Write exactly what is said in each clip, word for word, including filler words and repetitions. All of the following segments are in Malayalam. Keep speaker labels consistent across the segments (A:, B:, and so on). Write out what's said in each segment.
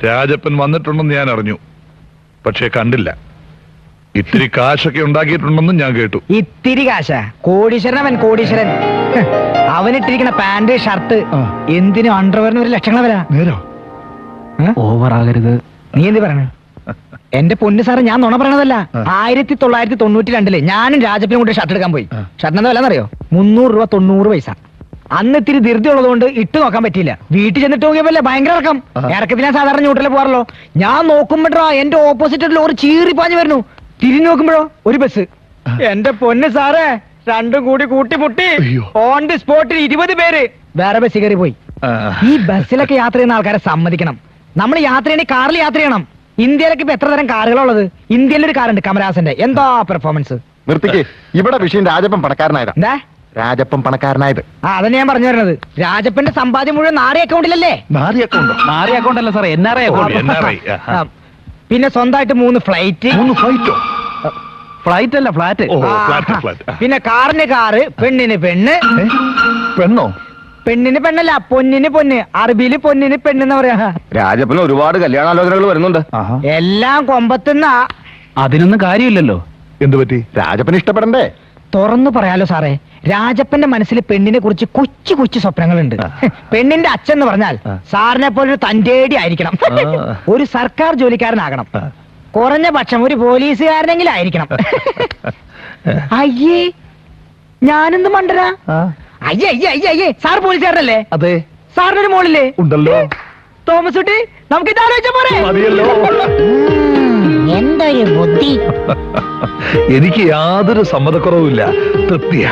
A: രാജപ്പൻ വന്നിട്ടുണ്ടെന്ന് ഞാൻ അറിഞ്ഞു, പക്ഷെ കണ്ടില്ല. ഇത്തിരി കാശൊക്കെ ഉണ്ടാക്കിയിട്ടുണ്ടെന്നും ഞാൻ കേട്ടു.
B: ഇത്തിരി കാശ? കോടീശ്വരൻ അവൻ, കോടീശ്വരൻ. അവനിട്ടിരിക്കുന്ന പാന്റ് ഷർട്ട് എന്തിനും അണ്ടർവെയറിന് ഒരു ലക്ഷങ്ങൾ വരാ.
A: നേരോ?
B: ഓവർ ആകരുത്. നീ എന്ത് പറയണേ? എന്റെ പൊന്ന് സാറ്, ഞാൻ നുണ പറയണതല്ല. ആയിരത്തി തൊള്ളായിരത്തി തൊണ്ണൂറ്റി രണ്ടില് ഞാനും രാജപ്പനും കൂടി ഷർട്ട് എടുക്കാൻ പോയി. ഷർട്ടിന് വില എന്നറിയോ? മുന്നൂറ് രൂപ തൊണ്ണൂറ് പൈസ. അന്ന് ഇത്തിരി ധൃതി ഉള്ളതുകൊണ്ട് ഇട്ട് നോക്കാൻ പറ്റിയില്ല. വീട്ടിൽ ചെന്നിട്ട് നോക്കിയപ്പോലെ ഭയങ്കര ഇറക്കം. ഇറക്കത്തിൽ ഞാൻ സാധാരണ ന്യൂട്രലിൽ പോകാറല്ലോ. ഞാൻ നോക്കുമ്പോഴോ എന്റെ ഓപ്പോസിറ്റ് ലോറി ചീറി പാഞ്ഞു വരുന്നു. തിരിഞ്ഞു നോക്കുമ്പോഴോ ഒരു ബസ്. എന്റെ പൊന്ന് സാറേ, രണ്ടും കൂടി കൂട്ടിമുട്ടി ഓൺ ദി സ്പോട്ടിൽ ഇരുപത് പേര് വേറെ ബസ് കയറി പോയി. ഈ ബസ്സിലൊക്കെ യാത്ര ചെയ്യുന്ന ആൾക്കാരെ സമ്മതിക്കണം. നമ്മൾ യാത്ര ചെയ്യണേ കാറിൽ യാത്ര ചെയ്യണം. ഇന്ത്യയിലൊക്കെ ഇപ്പൊ എത്ര തരം കാറുകളുള്ളത്? ഇന്ത്യയിലൊരു കാറുണ്ട് കമലഹാസന്റെ. എന്താ പെർഫോമൻസ്!
C: നിർത്തിക്ക്. ഇവിടെ വിഷയം രാജപ്പൻ പണക്കാരനായതാ.
B: എന്താ
C: രാജപ്പൻ പണക്കാരനായത്?
B: ആ അതന്നെ ഞാൻ പറഞ്ഞു വരുന്നത്. രാജപ്പന്റെ സമ്പാദ്യം മുഴുവൻ നാരി അക്കൗണ്ടിലല്ലേ?
A: നാരി അക്കൗണ്ടോ?
D: നാരി അക്കൗണ്ട് അല്ല സാറേ, എൻ ആർ ഐ
B: ആ, പിന്നെ സ്വന്തമായിട്ട് മൂന്ന് ഫ്ലൈറ്റ്.
A: മൂന്ന് ഫ്ലൈറ്റോ?
D: ഫ്ലൈറ്റ് അല്ല, ഫ്ലാറ്റ്.
A: ഓ, ഫ്ലാറ്റ്, ഫ്ലാറ്റ്.
B: പിന്നെ കാറിന് കാറ്, പെണ്ണിന് പെണ്ണ്.
A: പെണ്ണോ?
B: പെണ്ണിന് പെണ്ണല്ല, പൊന്നിന് പൊന്ന്. അറബിയില് പൊന്നിന് പെണ്ണെന്ന് പറയാ.
C: രാജപ്പന് ഒരുപാട് കല്യാണാലോചനകൾ വരുന്നുണ്ട്.
B: എല്ലാം കൊമ്പത്തുന്ന.
D: അതിനൊന്നും കാര്യമില്ലല്ലോ.
A: എന്തു പറ്റി?
C: രാജപ്പന് ഇഷ്ടപ്പെടണ്ടേ?
B: തുറന്നു പറയാലോ സാറേ, രാജപ്പന്റെ മനസ്സിൽ പെണ്ണിനെ കുറിച്ച് കൊച്ചു കൊച്ചു സ്വപ്നങ്ങളുണ്ട്. പെണ്ണിന്റെ അച്ഛൻ എന്ന് പറഞ്ഞാൽ സാറിനെ പോലെ തന്റേടി ആയിരിക്കണം. ഒരു സർക്കാർ ജോലിക്കാരനാകണം. കുറഞ്ഞ പക്ഷം ഒരു പോലീസുകാരനെങ്കിലും ആയിരിക്കണം. അയ്യേ, ഞാനെന്ത് മണ്ടരാ? അയ്യേ അയ്യേ അയ്യേ അയ്യേ സാർ പോലീസുകാരനല്ലേ?
A: അതെ.
B: സാറിനൊരു മോളില്ലേ?
A: ഉണ്ടല്ലോ.
B: തോമസ് കുട്ടി, നമുക്ക് ഇത് ആലോചിച്ച പോരെ?
A: മതിയല്ലോ.
B: എന്തൊരു ബുദ്ധി!
A: എനിക്ക് യാതൊരു സമ്മതക്കുറവുമില്ല. തൃപ്തിയാ.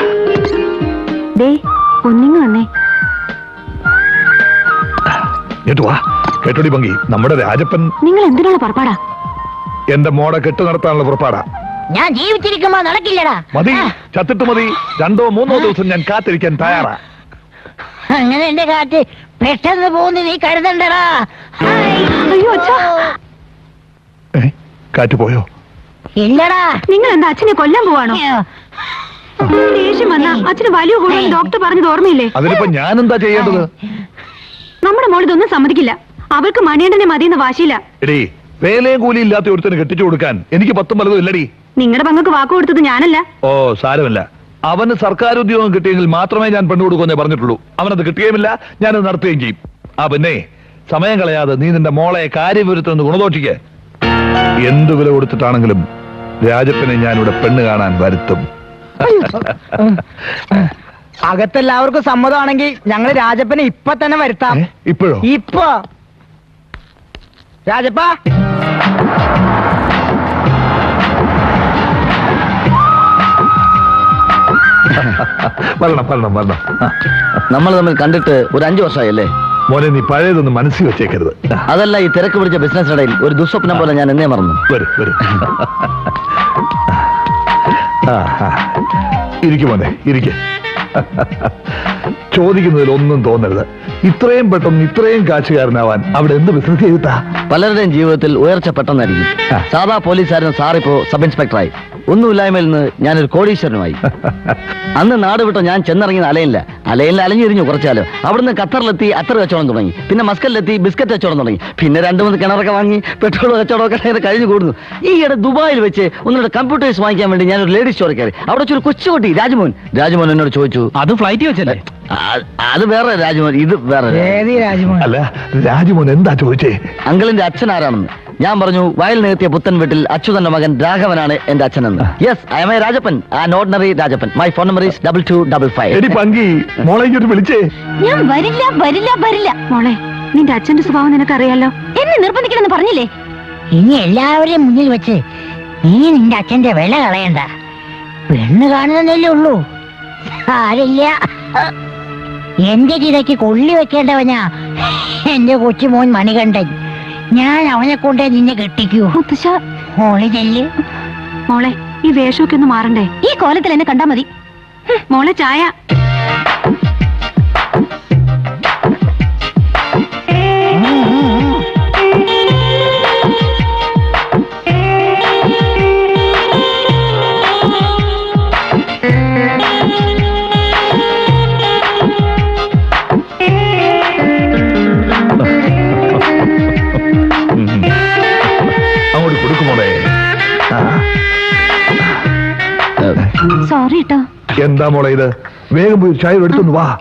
A: കേട്ടോടി ഭംഗി, നമ്മുടെ രാജപ്പൻ.
E: നിങ്ങൾ എന്തിനാണ് പുറപ്പാടാ?
A: എന്റെ മോടെ കെട്ടു നടത്താനുള്ള പുറപ്പാടാ.
E: ഞാൻ ജീവിച്ചിരിക്കുമ്പോ നടക്കില്ലടാ.
A: മതി, ചത്തിട്ട് മതി. രണ്ടോ മൂന്നോ ദിവസം ഞാൻ കാത്തിരിക്കാൻ തയ്യാറാ.
E: അങ്ങനെ എന്റെ കാറ്റ് പെട്ടെന്ന് പോകുന്നു, നീ കരുതണ്ടടാ. അയ്യോ അച്ഛാ.
A: കാറ്റ് പോയോ?
E: ഇല്ലടാ.
F: നിങ്ങൾ എന്താ അച്ഛനെ കൊല്ലാൻ പോവാണോ? ദേഷ്യം വന്ന അച്ഛന് വലിയ കൂടുതൽ ഡോക്ടർ പറഞ്ഞത് ഓർമ്മയില്ലേ?
A: അതിനിപ്പോ ഞാൻ എന്താ ചെയ്യേണ്ടത്?
F: നമ്മുടെ മോൾ ഇതൊന്നും സമ്മതിക്കില്ല. അവർക്ക് മണിയണ്ടനെ മതിയെന്ന് വാശിയില്ല.
A: എടീ, വേലയും കൂലി ഇല്ലാത്ത ഒരുത്തിന് കെട്ടിച്ചു കൊടുക്കാൻ എനിക്ക് പത്തും പലതും ഇല്ലടി.
F: നിങ്ങളുടെ പങ്കക്ക് വാക്ക് കൊടുത്തത് ഞാനല്ല.
A: ഓ, സാരമില്ല. അവന് സർക്കാർ ഉദ്യോഗം കിട്ടിയെങ്കിൽ മാത്രമേ ഞാൻ പെണ്ണു കൊടുക്കുമെന്നേ പറഞ്ഞിട്ടുള്ളൂ. അവനത് കിട്ടുകയുമില്ല, ഞാനത് നടത്തുകയും ചെയ്യും. ആ പിന്നെ സമയം കളയാതെ നീ നിന്റെ മോളെ കാര്യവിരുദ്ധം ഗുണദോഷിക്ക്. എന്തു വില കൊടുത്തിട്ടാണെങ്കിലും രാജപ്പനെ ഞാനിവിടെ പെണ്ണ് കാണാൻ വരുത്തും.
B: അകത്തെല്ലാവർക്കും സമ്മതമാണെങ്കിൽ ഞങ്ങള് രാജപ്പനെ ഇപ്പൊ തന്നെ വരുത്താം.
A: ഇപ്പോഴോ?
B: ഇപ്പൊ രാജപ്പ,
A: വരണം വരണം വരണം.
D: നമ്മൾ തമ്മിൽ കണ്ടിട്ട് ഒരു അഞ്ചു വർഷമായല്ലേ
A: മോനെ? നീ പഴയതൊന്നും മനസ്സിൽ വെച്ചേക്കരുത്.
D: അതല്ല, ഈ തിരക്ക് പിടിച്ച ബിസിനസ് ഇടയിൽ ഒരു ദുസ്വപ്നം പോലെ ഞാൻ എന്നേ മറന്നു.
A: വരും വരും. ഇരിക്കും മോനെ, ഇരിക്കും. ചോദിക്കുന്നതിൽ ഒന്നും തോന്നരുത്. ഇത്രയും പെട്ടെന്ന് ഇത്രയും കാശുകാരനാവാൻ അവിടെ എന്ത് ബിസിനസ് ചെയ്തിട്ടാ?
D: പലരുടെയും ജീവിതത്തിൽ ഉയർച്ച പെട്ടെന്നായിരിക്കും. സാധാ പോലീസുകാരൻ സാറിപ്പോ സബ് ഇൻസ്പെക്ടറായി. ഒന്നുമില്ലായ്മയിൽ നിന്ന് ഞാനൊരു കോടീശ്വരനുമായി. അന്ന് നാട് വിട്ടോ ഞാൻ ചെന്നിറങ്ങിയത് അലയില്ല. അലയിൽ അലഞ്ഞിരിഞ്ഞു കുറച്ചാലോ. അവിടുന്ന് ഖത്തറിലെത്തി അത്തർ കച്ചവടം തുടങ്ങി. പിന്നെ മസ്കലിലെത്തി ബിസ്ക്കറ്റ് കച്ചവടം തുടങ്ങി. പിന്നെ രണ്ടു മൂന്ന് കിണറൊക്കെ വാങ്ങി പെട്രോൾ കച്ചവടമൊക്കെ കഴിഞ്ഞു കൂടുന്നു. ഈയിടെ ദുബായിൽ വെച്ച് ഒന്നുകൂടെ കമ്പ്യൂട്ടേഴ്സ് വാങ്ങിക്കാൻ വേണ്ടി ഞാനൊരു ലേഡീസ് സ്റ്റോറിൽ കയറി. അവിടെ വെച്ചൊരു കൊച്ചുകുട്ടി രാജ്മോൻ രാജ്മോൻ എന്നോട് ചോദിച്ചു, അത് ഫ്ലൈറ്റ് വെച്ചല്ലേ? അത് വേറെ രാജ്മോൻ, ഇത് വേറെ.
A: അല്ല, രാജ്മോൻ എന്താ ചോദിച്ചേ?
D: അങ്കിളിന്റെ അച്ഛൻ ആരാണെന്ന്. ഞാൻ പറഞ്ഞു, വയൽ നികത്തിയ പുത്തൻ വീട്ടിൽ അച്യുതന്റെ മകൻ രാഘവനാണ് എന്റെ അച്ഛനെന്ന്. Yes, I am a Rajappan, an ordinary Rajappan. My phone number is double two double five.
A: എടി പങ്കി, മോളെ ഇങ്ങോട്ട് വിളിച്ചേ.
E: ഞാൻ വരില്ല വരില്ല വരില്ല.
F: മോളെ, നിന്റെ അച്ഛന്റെ സ്വഭാവം നിനക്കറിയാലോ.
E: എന്നെ നിർബന്ധിക്കണമെന്ന് പറഞ്ഞില്ലേ? ഇനി എല്ലാവരെയും മുന്നിൽ വെച്ച് നീ നിന്റെ അച്ഛന്റെ വില കളയണ്ട. പെണ്ണ് കാണുന്നല്ലേ ഉള്ളൂ. ആരില്ല, എന്റെ ചിതയ്ക്ക് കൊള്ളി വെക്കേണ്ടവനാ എന്റെ കൊച്ചുമോൻ മണികണ്ഠൻ. ഞാൻ അവനെ കൊണ്ടേ നിന്നെ കെട്ടിക്കൂ. മോളെ ചെല്ല്.
F: മോളെ, ഈ വേഷമൊക്കെ ഒന്ന് മാറണ്ടേ?
E: ഈ കോലത്തിൽ എന്നെ കണ്ടാ മതി.
F: മോളെ, ചായ.
A: എന്താ മോളെ ഇത്? വേഗം പോയി ചായ എടുത്തൊന്ന് വാ.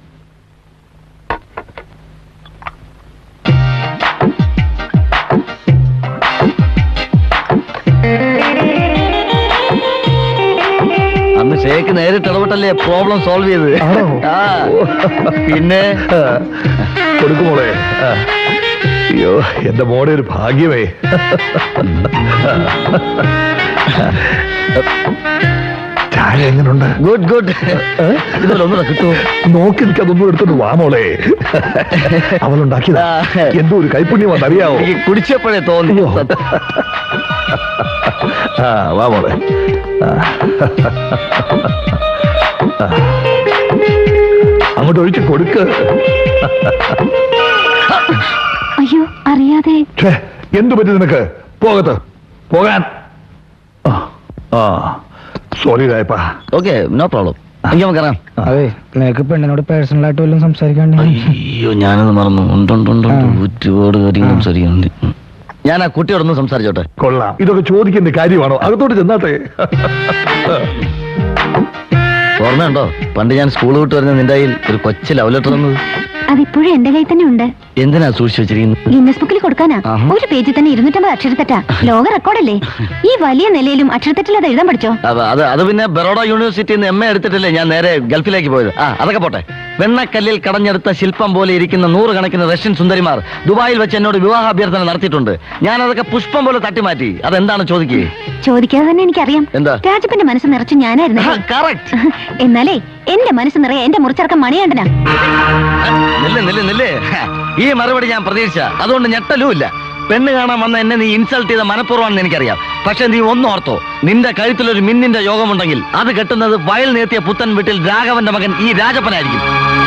D: അന്ന് ഷേക്ക് നേരിട്ട് ഇടപെട്ടല്ലേ പ്രോബ്ലം സോൾവ് ചെയ്ത്.
A: ആണോ?
D: ആ, പിന്നെ
A: ആ, കൊടുക്ക് മോളെ. ആ. അയ്യോ, എന്റെ മോടെ ഒരു ഭാഗ്യമേ. ചായ എങ്ങനുണ്ട്?
D: Good good. ഇതുപോലെ ഒന്നുകൂടെ കിട്ടുമോ?
A: നോക്കി നിൽക്കാതൊന്നും എടുത്തോണ്ട് വാ മോളെ. അവളുണ്ടാക്കിയതാ. എന്തോ ഒരു കൈപ്പുണ്യം അറിയാവോ?
D: എനിക്ക് കുടിച്ചപ്പോഴേ തോന്നി.
A: ആ, വാ മോളെ. ആ. ആ. അങ്ങോട്ട് ഒഴിച്ച് കൊടുക്ക്.
F: അയ്യോ അറിയാതെ.
A: ഛേ, എന്തു പറ്റി നിനക്ക്? പോകത്ത് പോകാൻ. ആ, ആ സോറി രായപ്പാ.
D: Okay, no problem. എനിക്ക് നമുക്ക് ഇറങ്ങാം.
B: അതെ, നിനക്ക് പെണ്ണിനോട് പേഴ്സണൽ ആയിട്ട് വല്ലതും സംസാരിക്കാണ്ട്?
D: അയ്യോ, ഞാനത് മറന്നു. ഉണ്ടുണ്ടുണ്ട്, ഒരുപാട് കാര്യങ്ങൾ സംസാരിക്കുന്നുണ്ട്. ഞാൻ ആ കുട്ടിയോടൊന്ന് സംസാരിച്ചോട്ടെ.
A: കൊള്ളാം. ഇതൊക്കെ ചോദിക്കേണ്ട കാര്യമാണോ? അകത്തോട്ട് ചെന്നാട്ടെ.
D: ഓർമ്മയുണ്ടോ പണ്ട് ഞാൻ സ്കൂൾ വിട്ട് വരുന്ന നിന്റെ കയ്യിൽ ഒരു കൊച്ചു ലവ് ലെറ്റർ തന്നത്?
F: അതിപ്പോഴും എന്റെ കയ്യിൽ തന്നെ ഉണ്ട്.
D: എന്തിനാ സൂക്ഷിച്ചു വെച്ചിരിക്കുന്നത്?
F: ഗിന്നസ് ബുക്കിൽ കൊടുക്കാനാ.
D: ആഹാ.
F: ഒരു പേജിൽ തന്നെ ഇരുന്നൂറ്റമ്പത് അക്ഷരത്തെറ്റാ. ലോക റെക്കോർഡല്ലേ? ഈ വലിയ നിലയിലും അക്ഷരത്തെറ്റിൽ അത് എഴുതാൻ പഠിച്ചോ?
D: അത് അത് അത് പിന്നെ ബറോഡ യൂണിവേഴ്സിറ്റിയിൽ നിന്ന് എം എ എടുത്തിട്ടല്ലേ ഞാൻ നേരെ ഗൾഫിലേക്ക് പോയത്. ആ, അതൊക്കെ പോട്ടെ. വെണ്ണക്കല്ലിൽ കടഞ്ഞെടുത്ത ശില്പം പോലെ ഇരിക്കുന്ന നൂറുകണക്കിന് റഷ്യൻ സുന്ദരിമാർ ദുബായിൽ വെച്ച് എന്നോട് വിവാഹാഭ്യർത്ഥന നടത്തിയിട്ടുണ്ട്. ഞാൻ അതൊക്കെ പുഷ്പം പോലെ തട്ടിമാറ്റി. അതെന്താണ് ചോദിക്കേ?
F: ചോദിക്കാതെ തന്നെ എനിക്കറിയാം.
D: എന്താ?
F: രാജപ്പന്റെ മനസ്സ് നിറച്ച് ഞാനായിരുന്നു.
D: കറക്റ്റ്.
F: എന്നാലേ എന്റെ മനസ്സ് നിറയെ എന്റെ മുറിച്ചർക്കം മണിയാണ്ടനാ.
D: നില്ല് നില്ല് നില്ല്. ഈ മറുപടി ഞാൻ പ്രതീക്ഷിച്ച, അതുകൊണ്ട് ഞെട്ടലും ഇല്ല. പെണ്ണ് കാണാൻ വന്ന എന്നെ നീ ഇൻസൾട്ട് ചെയ്ത മനഃപൂർവ്വമാണെന്ന് എനിക്കറിയാം. പക്ഷെ നീ ഒന്നോർത്തോ, നിന്റെ കഴുത്തിലൊരു മിന്നിന്റെ യോഗമുണ്ടെങ്കിൽ അത് കെട്ടുന്നത് വയൽ നേത്തിയ പുത്തൻ വീട്ടിൽ രാഘവന്റെ മകൻ ഈ രാജപ്പനായിരിക്കും.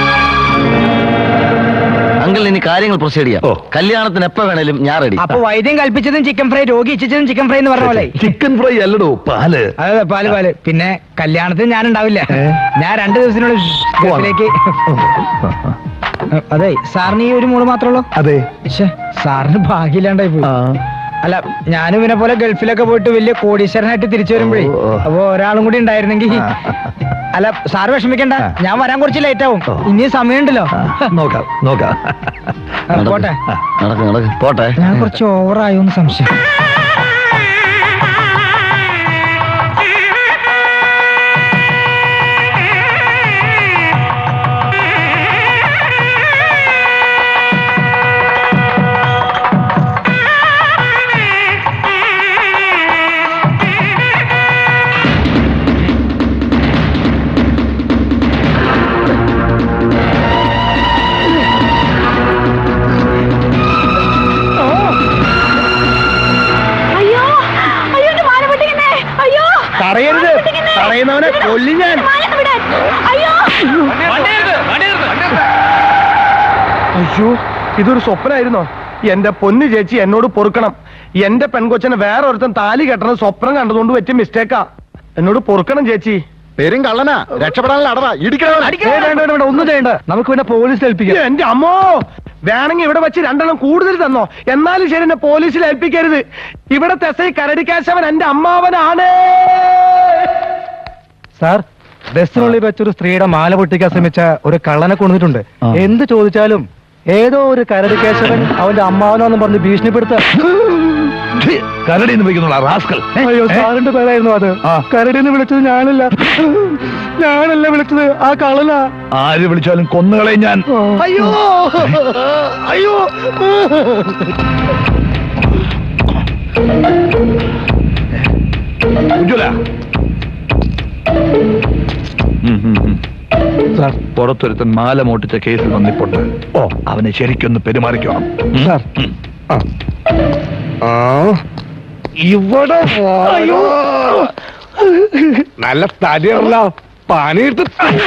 D: അങ്കിൾ, ഇനി കാര്യങ്ങൾ പ്രൊസീഡ് ചെയ്യാം.
A: ഓ.
D: കല്യാണത്തിന് എപ്പോ വേണേലും ഞാൻ റെഡി.
B: അപ്പൊ വൈദ്യം കൽപ്പിച്ചതും ചിക്കൻ ഫ്രൈ, രോഗി ഇച്ഛിച്ചതും ചിക്കൻ ഫ്രൈ എന്ന് പറഞ്ഞ പോലെ.
A: ചിക്കൻ ഫ്രൈ അല്ലടോ, പാല്.
B: അതെ, പാല് പാല്. പിന്നെ കല്യാണത്തിന് ഞാൻ ഉണ്ടാവില്ല. ഞാൻ രണ്ടു ദിവസത്തിനുള്ളിൽ ഗൾഫിലേക്ക്. അതെ, സാറിന് ഈ ഒരു മോള് മാത്രമേ ഉള്ളൂ?
A: അതെ.
B: ശ്ശെ, സാറിന് ഭാഗ്യമില്ലാണ്ടായി പോയി. അല്ല, ഞാനും ഇവനെ പോലെ ഗൾഫിലൊക്കെ പോയിട്ട് വലിയ കോടീശ്വരനായിട്ട് തിരിച്ചു വരുമ്പോഴേ
A: ഓ, ഓ.
B: അപ്പൊ ഒരാളും കൂടി ഉണ്ടായിരുന്നെങ്കിൽ. അല്ല, സാറ് വിഷമിക്കണ്ട, ഞാൻ വരാൻ കുറച്ച് ലേറ്റ് ആവും.
A: ഓ.
B: ഇനിയും സമയമുണ്ടല്ലോ.
A: നോക്കാം നോക്കാം.
B: ആ, പോട്ടെ.
D: നടക്ക് നടക്ക്, പോട്ടെ.
B: ഞാൻ കുറച്ച് ഓവറായോന്ന് സംശയം.
F: അയ്യോ അയ്യോ, എന്റെ മാല പൊട്ടിക്കുന്നേ. അയ്യോ,
B: തടയരുത്, തടയുന്നവനെ കൊല്ലി ഞാൻ.
F: മാല ഒന്ന് വിടാൻ. അയ്യോ
G: അയ്യോ, ഇതൊരു സ്വപ്നമായിരുന്നോ? എന്റെ പൊന്നു ചേച്ചി, എന്നോട് പൊറുക്കണം. എന്റെ പെൺകൊച്ചനെ വേറെ ഒരുത്തൻ താലി കെട്ടണ സ്വപ്നം കണ്ടതുകൊണ്ട് പറ്റിയ മിസ്റ്റേക്കാ. എന്നോട് പൊറുക്കണം ചേച്ചി.
C: പേരും കള്ളനാ, രക്ഷപ്പെടാനുള്ള അടവാ. ഇടിക്കണം.
G: ഏയ് വേണ്ട, വേണ്ട, വേണ്ട, ഒന്നും ചെയ്യണ്ട. നമുക്ക് പിന്നെ പോലീസിൽ ഏൽപ്പിക്കാം. എന്റെ അമ്മോ, വേണമെങ്കിൽ ഇവിടെ വെച്ച് രണ്ടെണ്ണം കൂടുതൽ തന്നോ, എന്നാലും ശരി, എന്നെ പോലീസിൽ ഏൽപ്പിക്കരുത്. ഇവിടത്തെ എസ് ഐ കരടിക്കാശവൻ എന്റെ അമ്മാവനാണ്.
H: സാർ, ബസ്സിനുള്ളിൽ വെച്ചൊരു സ്ത്രീയുടെ മാല പൊട്ടിക്കാൻ ശ്രമിച്ച ഒരു കള്ളനെ കൊണ്ടിട്ടുണ്ട്. എന്ത് ചോദിച്ചാലും ഏതോ ഒരു കരടി കേശവൻ അവന്റെ അമ്മാവനോന്ന് പറഞ്ഞ് ഭീഷണിപ്പെടുത്ത.
A: കരടി എന്ന് വിളിക്കുന്നുള്ള റാസ്കൽ.
H: അയ്യോ, സാറിന്റെ പേരായിരുന്നു അത്. കരടിന്ന് വിളിച്ചത് ഞാനല്ല, ഞാനല്ല വിളിച്ചത്, ആ കള്ളനാ.
A: ആര് വിളിച്ചാലും കൊന്നുകളെ ഞാൻ.
G: അയ്യോ അയ്യോ,
A: ഉജ്ജ്വല. സാർ, പുറത്തൊരുത്തൻ മാല മോട്ടിച്ച കേസിൽ വന്നിപ്പുണ്ട്. ഓ, അവനെ ശരിക്കൊന്ന് പെരുമാറിക്കണം.
H: സാർ,
G: ഇവിടെ അയ്യോ,
H: നല്ല തടിയുള്ള പണിയെടുത്ത്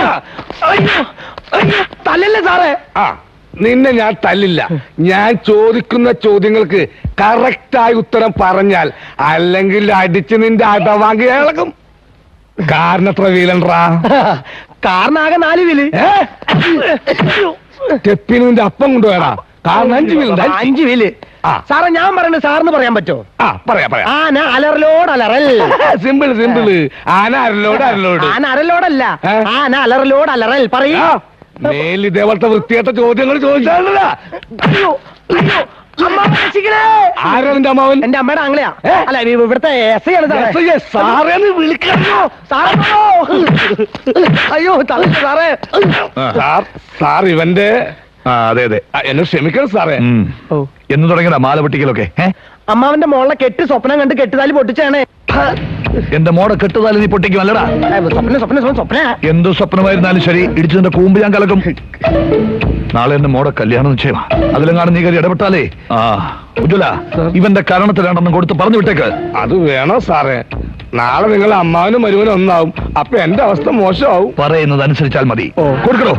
G: തല്ലല്ലേ സാറേ?
H: ആ, നിന്നെ ഞാൻ തല്ലില്ല. ഞാൻ ചോദിക്കുന്ന ചോദ്യങ്ങൾക്ക് കറക്റ്റായി ഉത്തരം പറഞ്ഞാൽ, അല്ലെങ്കിൽ അടിച്ച് നിന്റെ അടവാങ്കി ഇളകും. കാരണത്ര വീലൻറാ?
G: കാറിനാകെ നാല് വീല്.
H: സ്റ്റെപ്പിന് നിന്റെ അപ്പം കൊണ്ടുപോയടാ. കാരണം അഞ്ച് വീലുണ്ട് അഞ്ച്.
G: അഞ്ച് വീല്
H: ആ.
G: സാറേ ഞാൻ പറയുന്നത് സാറിന് പറയാൻ പറ്റോ?
H: ആ പറയാ പറയാ
G: ആന അലറലോട് അലറൽ.
H: സിമ്പിൾ സിമ്പിൾ ആന അരലോട് അരലോട്
G: ആന അരലോടല്ല,
H: ഏ?
G: ആന അലറലോട് അലറൽ. പറയൂ.
H: മേൽ ഇതേപോലത്തെ വൃത്തിയായിട്ട ചോദ്യങ്ങൾ ചോദിച്ചാണല്ലോ.
G: അയ്യോ, അയ്യോ, അമ്മ രക്ഷിക്കണേ.
H: ആരാ നിന്റെ അമ്മാവൻ?
G: എന്റെ അമ്മയുടെ ആംഗ്ലയാ.
H: ഏ?
G: അല്ല ഇ- ഇവിടുത്തെ എസ് ഐ ആണ് സാറേ.
H: എസ് ഐ, സാറേന്ന് വിളിക്കണോ?
G: സാറേ, അയ്യോ തള്ളു സാറേ.
H: സാർ സാർ ഇവന്റെ
A: ആ അതെ അതെ.
H: ആ, എന്നെ ക്ഷമിക്കണം സാറേ.
A: ഉം.
G: ഓ.
A: എന്ന് തുടങ്ങിയതാ മാല പൊട്ടിക്കലൊക്കെ? ഏ?
G: അമ്മാവന്റെ മോളെ കെട്ട് സ്വപ്നം കണ്ട് കെട്ടുതാലി പൊട്ടിച്ചാണ്.
A: എന്റെ മോടെ കെട്ടുതാലി നീ പൊട്ടിക്കും അല്ലടാ?
G: സ്വപ്ന സ്വപ്ന സ്വപ്ന സ്വപ്ന
A: എന്തു സ്വപ്നമായിരുന്നാലും ശരി, ഇടിച്ചതിന്റെ കൂമ്പ് ഞാൻ കലക്കും. നാളെ എന്റെ മോടെ കല്യാണം നിശ്ചയമാ. അതിലെങ്ങാനും നീ കയറി ഇടപെട്ടാലേ. ആ ഉജ്വല, ഇവന്റെ കാരണത്തിൽ രണ്ടെണ്ണം കൊടുത്ത് പറഞ്ഞു വിട്ടേക്ക്.
H: അത് വേണോ സാറേ? നാളെ നിങ്ങൾ അമ്മാവനും മരുവനും ഒന്നാവും. അപ്പൊ എന്റെ അവസ്ഥ മോശമാവും.
A: പറയുന്നത് അനുസരിച്ചാൽ മതി. കൊടുക്കണോ?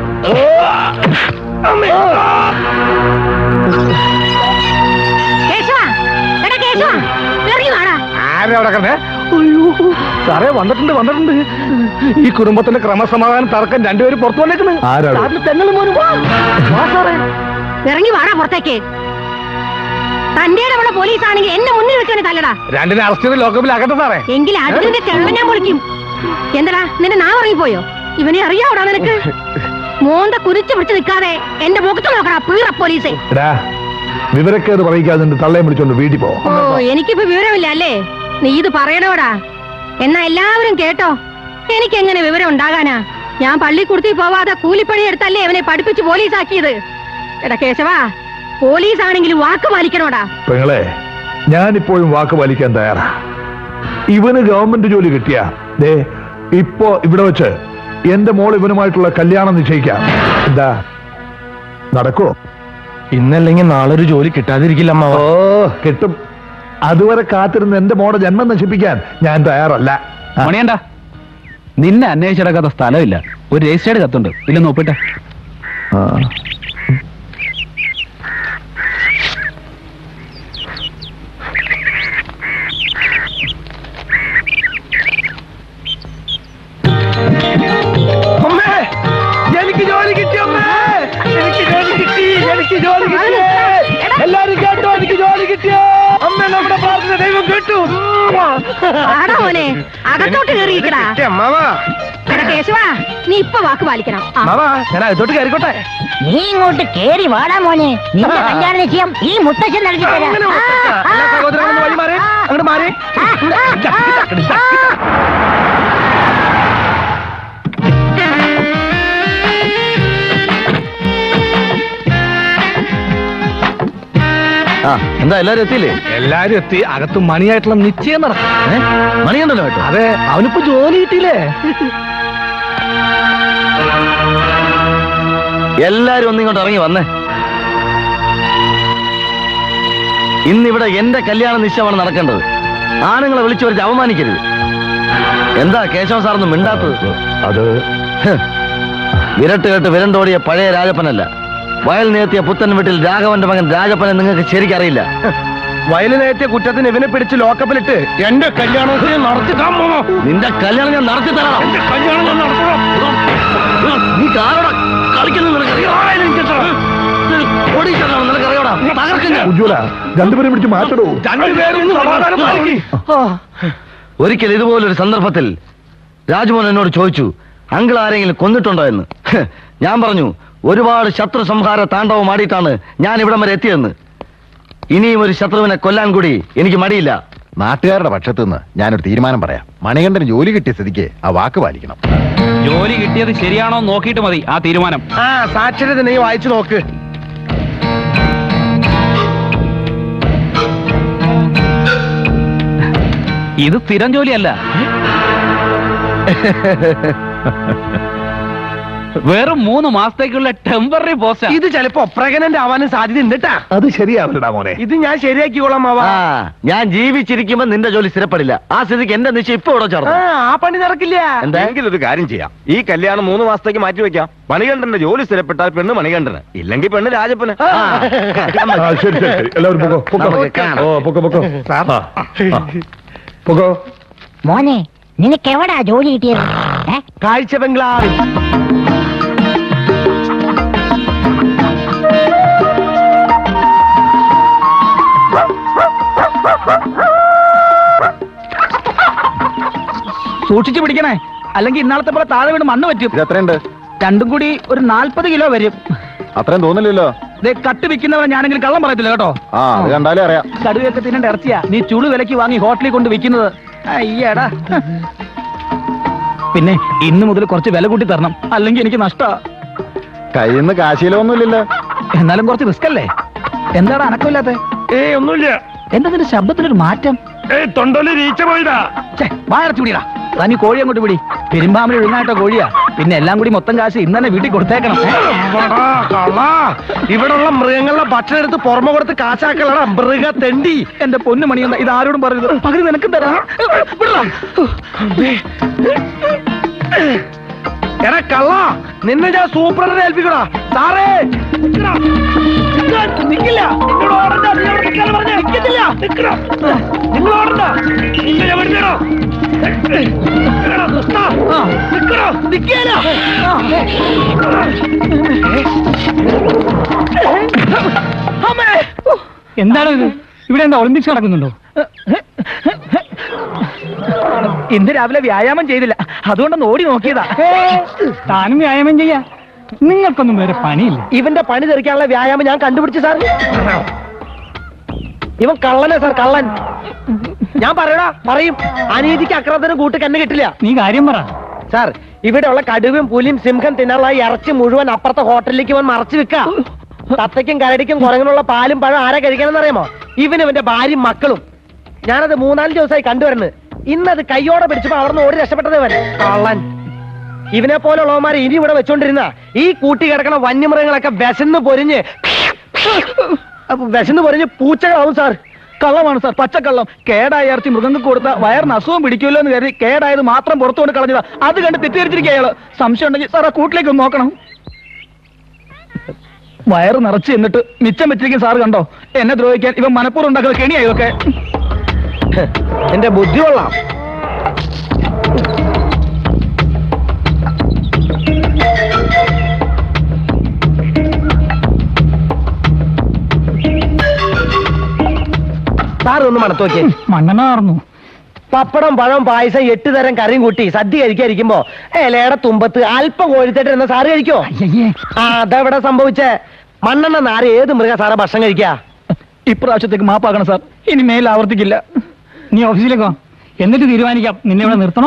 E: കേശവ, എടാ കേശവ, ഇറങ്ങി വാടാ.
H: ആരാ അവിടെ കിടന്നേ? അയ്യോ സാറേ, വന്നിട്ടുണ്ട് വന്നിട്ടുണ്ട്. ഈ കുടുംബത്തിന്റെ ക്രമസമാധാനം തർക്കം രണ്ടുപേരും പുറത്തു വന്നേക്കുന്നു.
A: ആരാണ്?
G: തെങ്ങളും മോനും വാ. വാ സാറേ.
E: ഇറങ്ങി വാടാ പുറത്തേക്ക്. തന്റെ അവിടെ പോലീസ് ആണെങ്കിൽ എന്നെ മുന്നിൽ വെച്ചാണ് തല്ലടാ.
H: രണ്ടിനെ അറസ്റ്റ് ചെയ്ത് ലോക്കപ്പിൽ ആക്കട്ടെ സാറേ.
E: എങ്കിൽ അടുത്തിന്റെ ചെള്ള ഞാൻ പൊളിക്കും. എന്തടാ നിന്നെ നാ ഇറങ്ങിപ്പോയോ? ഇവനെ അറിയാവൂടാ നിനക്ക്? മോന്ത കുരിച്ചു പിടിച്ച് നിൽക്കാതെ എന്റെ മുഖത്ത് നോക്കടാ പീറ പോലീസെ.
A: എടാ, വിവരക്കേട് പറയിക്കാതെ നിന്റെ തള്ളയെ വിളിച്ചോണ്ട് വീട്ടിൽ പോ.
E: ഓ എനിക്കിപ്പോ വിവരമില്ല അല്ലേ? നീ ഇത് പറയണോടാ. എന്നാ എല്ലാവരും കേട്ടോ. എനിക്ക് എങ്ങനെ വിവരം ഉണ്ടാകാനാ? ഞാൻ പള്ളിക്കുടുത്തി പോവാതെ കൂലിപ്പണി എടുത്തല്ലേ അവനെ പഠിപ്പിച്ച് പോലീസാക്കിയത്. എടാ കേശവാ, പോലീസ് ആണെങ്കിലും വാക്ക് പാലിക്കണോടാ.
A: പെങ്ങളെ, ഞാനിപ്പോഴും വാക്ക് പാലിക്കാൻ തയ്യാറാ. ഇവന് ഗവൺമെന്റ് ജോലി കിട്ടിയ ദേ ഇപ്പോ ഇവിടെ വെച്ച് എന്റെ മോൾ ഇവനുമായിട്ടുള്ള കല്യാണം നിശ്ചയിക്കാം. എന്താ നടക്കോ?
G: ഇന്നല്ലെങ്കിൽ നാളെ ഒരു ജോലി കിട്ടാതിരിക്കില്ല അമ്മാവ.
A: ഓ കിട്ടും. അതുവരെ കാത്തിരുന്ന് എന്റെ മോടെ ജന്മം നശിപ്പിക്കാൻ ഞാൻ തയ്യാറല്ല.
I: മണിയണ്ട, നിന്നെ അന്വേഷിച്ചെടുക്കാത്ത സ്ഥലമില്ല. ഒരു രജിസ്റ്റേർഡ് കത്തുണ്ട്, ഇല്ലെന്ന് ഒപ്പിട്ടെ.
A: ആ.
G: അമ്മേ, എനിക്ക് ജോലി കിട്ടി അമ്മേ. എനിക്ക് ജോലി കിട്ടി, എനിക്ക് ജോലി കിട്ടി. എല്ലാരും കേട്ടോ, എനിക്ക് ജോലി കിട്ടിയോ? അമ്മ നമ്മുടെ പ്രാർത്ഥന ദൈവം കേട്ടു.
E: ആടാ മോനെ, അകത്തോട്ട് കയറിയിരിക്കടാ.
G: അമ്മാവാ,
E: എടാ കേശവാ, നീ ഇപ്പൊ വാക്ക് പാലിക്കണം. ആ.
G: അമ്മാവാ, ഞാൻ അകത്തോട്ട് കയറിക്കോട്ടെ.
E: നീ ഇങ്ങോട്ട് കേറി വാടാ മോനെ. നിന്റെ കല്യാണ നിശ്ചയം ഈ മുത്തശ്ശൻ നടത്തി തരാം.
G: അങ്ങനെ മുത്തച്ഛാ. എല്ലാ സഹോദരങ്ങളും വഴി മാറി അങ്ങോട്ട് മാറി.
D: ആ എന്താ എല്ലാരും എത്തിയില്ലേ?
H: എല്ലാരും എത്തി. അകത്ത് മണിയായിട്ടുള്ള നിശ്ചയം നടക്കും.
D: ഏ? മണിയുണ്ടല്ലോ കേട്ടോ.
H: അതെ, അവനിപ്പോ ജോലി കിട്ടിയില്ലേ?
D: എല്ലാരും ഒന്നിങ്ങോട്ട് ഇറങ്ങി വന്നേ. ഇന്നിവിടെ എന്റെ കല്യാണ നിശ്ചയമാണ് നടക്കേണ്ടത്. ആണുങ്ങളെ വിളിച്ചു വരച്ച് അവമാനിക്കരുത്. എന്താ കേശവ സാറൊന്നും മിണ്ടാത്തത്?
A: അത്
D: ഹ്. വിരട്ട് കേട്ട് വിരണ്ടോടിയ പഴയ രാജപ്പനല്ല. വയൽ നേർത്തിയ പുത്തൻ വീട്ടിൽ രാഘവന്റെ മകൻ രാജപ്പനെ നിങ്ങൾക്ക് ശരിക്കറിയില്ല.
G: വയലിനേറ്റിയ കുറ്റത്തിന് ഇവനെ പിടിച്ച് ലോക്കപ്പിലിട്ട് എന്റെ കല്യാണത്തിന് നടത്തി താമോ.
D: നിന്റെ കല്യാണം ഞാൻ നടത്തി തരാം.
G: കല്യാണം ഞാൻ നടത്തണം.
D: നീ കാരോടാ കളിക്കുന്നത് നിനക്കറിയോടാ? തകർക്കും ഞാൻ.
A: ഉജ്വല, രണ്ടുപേരും പിടിച്ച് മാറ്റടോ.
G: രണ്ടുപേരും സമാധാനം പാലിക്ക്.
D: ഒരിക്കൽ ഇതുപോലൊരു സന്ദർഭത്തിൽ രാജ്മോഹൻ എന്നോട് ചോദിച്ചു, അങ്കിൾ ആരെങ്കിലും കൊന്നിട്ടുണ്ടോ എന്ന്. ഹ്, ഞാൻ പറഞ്ഞു, ഒരുപാട് ശത്രു സംഹാര താണ്ഡവം ആടിയിട്ടാണ് ഞാൻ ഇവിടം വരെ എത്തിയെന്ന്. ഇനിയും ഒരു ശത്രുവിനെ കൊല്ലാൻ കൂടി എനിക്ക് മടിയില്ല.
C: നാട്ടുകാരുടെ പക്ഷത്തു നിന്ന് ഞാനൊരു തീരുമാനം പറയാം. മണികണ്ഠന് ജോലി കിട്ടിയ സ്ഥിതിക്ക് ആ വാക്ക് പാലിക്കണം.
I: ജോലി കിട്ടിയത് ശരിയാണോ നോക്കിയിട്ട് മതി ആ തീരുമാനം.
G: ആ സാക്ഷരത നീ വായിച്ചു നോക്ക്.
I: ഇത് സ്ഥിരം ജോലിയല്ല, വെറും മൂന്ന് മാസത്തേക്കുള്ള ടെമ്പററി പോസ്റ്റ്.
G: ഇത് ചിലപ്പോ പ്രഗ്നന്റ് ആവാനും സാധ്യത ഉണ്ട് ട്ടാ.
A: അത് ശരിയാവില്ലടാ മോനെ.
G: ഇത് ഞാൻ ശരിയാക്കിക്കോളാം മാവാ.
D: ആ ഞാൻ ജീവിച്ചിരിക്കുമ്പോ നിന്റെ ജോലി സ്ഥിരപ്പെടില്ല. ആ സ്ഥിതിക്ക് എന്റെ നിശ്ചയം ഇപ്പൊ ഇവിടെ
G: ആ
D: ചേർന്നു.
G: ആ പണി നടക്കില്ല.
D: എന്താ?
C: എങ്കിലൊരു കാര്യം ചെയ്യാം. ഈ കല്യാണം മൂന്ന് മാസത്തേക്ക് മാറ്റി വെക്കാം. മണികണ്ഠന്റെ ജോലി സ്ഥിരപ്പെട്ടാൽ പെണ്ണ് മണികണ്ഠന്, ഇല്ലെങ്കിൽ പെണ്ണ് രാജപ്പന്.
D: ആ.
A: ആ, ശരി ശരി ശരി. എല്ലാവരും പൊക്കോ പൊക്കോ.
D: നമുക്ക് കാണാം.
A: ഓ പൊക്കോ പൊക്കോ. ആ, ആ. പൊക്കോ.
E: മോനെ, നിനക്ക് എവിടാ ജോലി കിട്ടിയത്? ഏ?
G: കാഴ്ച ബംഗ്ലാവിൽ.
B: സൂക്ഷിച്ചു പിടിക്കണേ, അല്ലെങ്കിൽ ഇന്നാളത്തെ പോലെ താഴെ വീണ് മണ്ണ് പറ്റും.
C: ഇത് എത്രയുണ്ട്?
B: രണ്ടും കൂടി ഒരു നാൽപ്പത് കിലോ വരും.
C: അത്രയും തോന്നില്ലല്ലോ.
B: ദേ കട്ട് വിൽക്കുന്നവൻ ഞാനെങ്കിലും കള്ളം പറയത്തില്ല കേട്ടോ.
C: ആ അത് കണ്ടാലേ അറിയാം.
B: കടുവയൊക്കെ തിന്നേണ്ട ഇറച്ചിയാ നീ ചുളു വിലക്ക് വാങ്ങി ഹോട്ടലിൽ കൊണ്ട് വിൽക്കുന്നത്. അയ്യടാ. പിന്നെ ഇന്ന് മുതൽ കുറച്ച് വില കൂട്ടി തരണം, അല്ലെങ്കിൽ എനിക്ക് നഷ്ടാ.
C: കയ്യിൽ നിന്ന് കാശീലൊന്നുമില്ലല്ലോ.
B: എന്നാലും കുറച്ച് റിസ്ക് അല്ലേ? എന്താടാ അനക്കമില്ലാത്ത?
G: ഏയ് ഒന്നുമില്ല.
B: എന്താ നിന്റെ ശബ്ദത്തിനൊരു മാറ്റം?
G: ഏയ് തൊണ്ടല് വീഴ്ച പോയതാ.
B: വായടച്ചുപിടിടാ. തനി കോഴി അങ്ങോട്ട് പിടി. പെരുമ്പാമ്പിൽ ഒഴുങ്ങായിട്ട കോഴിയാ. പിന്നെ എല്ലാം കൂടി മൊത്തം കാശ് ഇന്ന് തന്നെ വീട്ടിൽ കൊടുത്തേക്കണം.
G: ഇവിടെയുള്ള മൃഗങ്ങളുടെ ഭക്ഷണം എടുത്ത് പുറമെ കൊടുത്ത് കാശാക്കലടാ മൃഗ തെണ്ടി.
B: എന്റെ പൊന്നു മണിയെന്ന ഇത് ആരോടും പറയരുത്. പകരം നിനക്കും തരാം.
G: എടാ കള്ള, നിന്നെ ഞാൻ സൂപ്പറിനെ ഏൽപ്പിക്കടാ. സാറേ നിക്കടാ. നിക്കില്ല. നിന്നോട് ഓടണ്ട. നിന്നോട് നിൽക്കാൻ പറഞ്ഞ നിൽക്കത്തില്ല. നിക്കടാ. നിങ്ങൾ ഓടണ്ട. നിന്നെ ഞാൻ വിടുന്നേടോ. നിക്കടോ. നിക്കേല.
B: എന്താണ് ഇത്? ഇവിടെ എന്താ ഒളിമ്പിക്സ് നടക്കുന്നുണ്ടോ? ഇന്ന് രാവിലെ വ്യായാമം ചെയ്തില്ല, അതുകൊണ്ടൊന്ന് ഓടി നോക്കിയതാ. താനും വ്യായാമം ചെയ്യാ. നിങ്ങൾക്കൊന്നും വേറെ പണിയില്ല. ഇവന്റെ പണി തെറിക്കാനുള്ള വ്യായാമം ഞാൻ കണ്ടുപിടിച്ചു സാർ. ഇവൻ കള്ളനാ സാർ, കള്ളൻ. ഞാൻ പറയടാ പറയും. അനീതിക്ക് അക്രമത്തിനും കൂട്ട് കണ്ണ് കിട്ടില്ല. നീ കാര്യം പറ സാർ. ഇവിടെയുള്ള കടുവയും പുലിയും സിംഹം തിന്നാനുള്ള ഇറച്ചി മുഴുവൻ അപ്പുറത്തെ ഹോട്ടലിലേക്ക് ഇവൻ മറച്ചു വെക്കാം. തത്തയ്ക്കും കരടിക്കും കുറങ്ങനുള്ള പാലും പഴം ആരാ കഴിക്കണമെന്ന് അറിയാമോ? ഇവനും ഇവന്റെ ഭാര്യയും മക്കളും. ഞാനത് മൂന്നാല് ദിവസമായി കണ്ടുവരുന്നത്. ഇന്നത് കയ്യോടെ പിടിച്ചപ്പോ അവിടെ നിന്ന് ഓടി രക്ഷപ്പെട്ടത് ഇവൻ കള്ളൻ. ഇവനെ പോലുള്ളവന്മാരെ ഇനി ഇവിടെ വെച്ചോണ്ടിരുന്ന ഈ കൂട്ടി കിടക്കണ വന്യമൃഗങ്ങളൊക്കെ വിശന്ന് പൊരിഞ്ഞ് വിശന്ന് പൊരിഞ്ഞ് പൂച്ചകളാവും സാർ. കള്ളമാണ് സാർ, പച്ചക്കള്ളം. കേടായ ഇറച്ചി മൃഗങ്ങൾക്ക് കൊടുത്ത വയറിന് അസുഖം പിടിക്കുമല്ലോ എന്ന് കരുതി കേടായത് മാത്രം പുറത്തുകൊണ്ട് കളഞ്ഞതാ. അത് കണ്ട് തെറ്റിദ്ധരിച്ചിരിക്കുക അയാള്. സംശയം ഉണ്ടെങ്കിൽ സാർ ആ കൂട്ടിലേക്ക് ഒന്ന് നോക്കണം. വയറ് നിറച്ച് എന്നിട്ട് മിച്ചം വെച്ചിരിക്കും സാർ. കണ്ടോ, എന്നെ ദ്രോഹിക്കാൻ ഇവൻ മനപ്പൂർവ്വം ഉണ്ടാക്കുന്ന കെണിയാ ഇതൊക്കെ. എന്റെ ബുദ്ധി കൊള്ളാം. സാറ് ഒന്ന് മണത്ത് നോക്കിയേ. മണ്ണെണ്ണ മാറുന്നു. പപ്പടം പഴം പായസം എട്ട് തരം കറിയും കൂട്ടി സദ്യ കഴിക്കാതിരിക്കുമ്പോ ഇലയുടെ തുമ്പത്ത് അല്പം കോഴിത്തേട്ട് എന്ന സാറ് കഴിക്കോ? ആ അതെവിടെ സംഭവിച്ചേ? മണ്ണെണ്ണ നാര് ഏത് മൃഗ സാറെ ഭക്ഷണം കഴിക്കാ? ഇപ്രാവശ്യത്തേക്ക് മാപ്പാക്കണം സാർ, ഇനി മേൽ ആവർത്തിക്കില്ല. നീ ഓഫീസിലേക്കോ, എന്നിട്ട് തീരുമാനിക്കാം നിന്നെ ഇവിടെ നിർത്തണോ.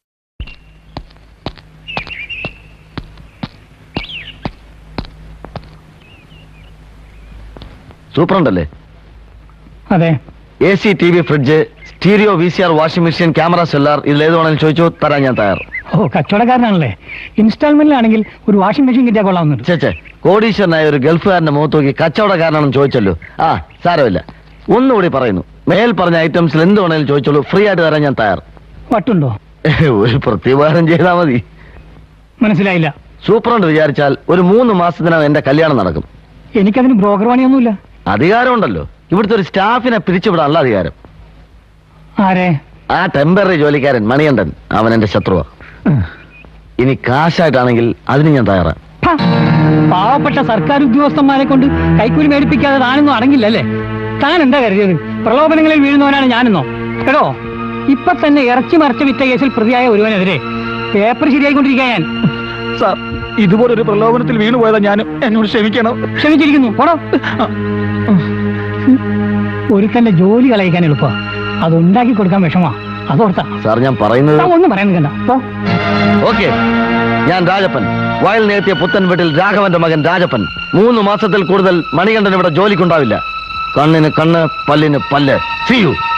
D: സൂപ്പറുണ്ടല്ലേ?
B: അതെ.
D: A C, T V, fridge, stereo, V C R, washing machine, camera, cellar, ഇതിൽ ഏത് വേണമെങ്കിലും ചോദിച്ചോ, തരാൻ ഞാൻ തയ്യാർ.
B: ഓ കച്ചവടക്കാരനാണല്ലേ. ഇൻസ്റ്റാൾമെന്റിലാണെങ്കിൽ ഒരു വാഷിംഗ് മെഷീൻ കിട്ടിയാൽ കൊള്ളാവുന്നുണ്ട്.
D: ചേച്ചേ, കോടീശ്വരനായ ഒരു ഗൾഫുകാരന്റെ മുഖത്ത് നോക്കി കച്ചവടക്കാരനാണെന്ന് ചോദിച്ചല്ലോ. ആ സാരമില്ല, ഒന്നുകൂടി പറയുന്നു, മേൽ പറഞ്ഞ ഐറ്റംസിൽ എന്ത് വേണമെങ്കിലും ചോദിച്ചോളൂ, ഫ്രീ ആയിട്ട് തരാൻ ഞാൻ തയ്യാർ.
B: വട്ടുണ്ടോ?
D: ഒരു പ്രത്യുപകാരം ചെയ്താൽ മതി.
B: മനസ്സിലായില്ല.
D: സൂപ്പറുണ്ട് വിചാരിച്ചാൽ ഒരു മൂന്ന് മാസത്തിനകം എന്റെ കല്യാണം നടക്കും.
B: എനിക്കതിന് ബ്രോക്കർ പണിയൊന്നുമില്ല.
D: അധികാരമുണ്ടല്ലോ, ഇവിടുത്തെ ഒരു സ്റ്റാഫിനെ പിരിച്ചുവിടാനുള്ള അധികാരം.
B: ആരെ?
D: ആ ടെമ്പററി ജോലിക്കാരൻ മണികണ്ഠൻ, അവൻ എന്റെ ശത്രുവാ. ഇനി കാശായിട്ടാണെങ്കിൽ അതിന് ഞാൻ തയ്യാറാ.
B: പാവപ്പെട്ട സർക്കാർ ഉദ്യോഗസ്ഥന്മാരെ കൊണ്ട് കൈക്കൂലി മേടിപ്പിക്കാതെ താനൊന്നും അടങ്ങില്ലല്ലേ? താൻ എന്താ കരുതിയത് പ്രലോഭനങ്ങളിൽ വീഴുന്നവനാണ് ഞാനെന്നോ? കേട്ടോ, ഇപ്പൊ തന്നെ ഇറച്ചി മറച്ച വിറ്റ കേസിൽ പ്രതിയായ ഒരുവനെതിരെ പേപ്പർ ശരിയായിക്കൊണ്ടിരിക്കാൻ ഞാൻ. സാർ, ഇതുപോലൊരു പ്രലോഭനത്തിൽ വീണുപോയതാ ഞാനും. എന്നോട് ക്ഷമിക്കണം. ക്ഷമിച്ചിരിക്കുന്നു. പോണോ. ഒരുത്തന്റെ ജോലി കളയിക്കാൻ എളുപ്പ, അതുണ്ടാക്കി കൊടുക്കാൻ വിഷമാ. അതോർത്താ
D: സാർ ഞാൻ പറയുന്നത്.
B: ഒന്നും പറയാൻ.
D: ഓക്കെ, ഞാൻ രാജപ്പൻ, വയൽ നേർത്തിയ പുത്തൻ വീട്ടിൽ രാഘവന്റെ മകൻ രാജപ്പൻ. മൂന്ന് മാസത്തിൽ കൂടുതൽ മണികണ്ഠൻ ഇവിടെ ജോലിക്കുണ്ടാവില്ല. കണ്ണിന് കണ്ണ്, പല്ലിന് പല്ല്. See you.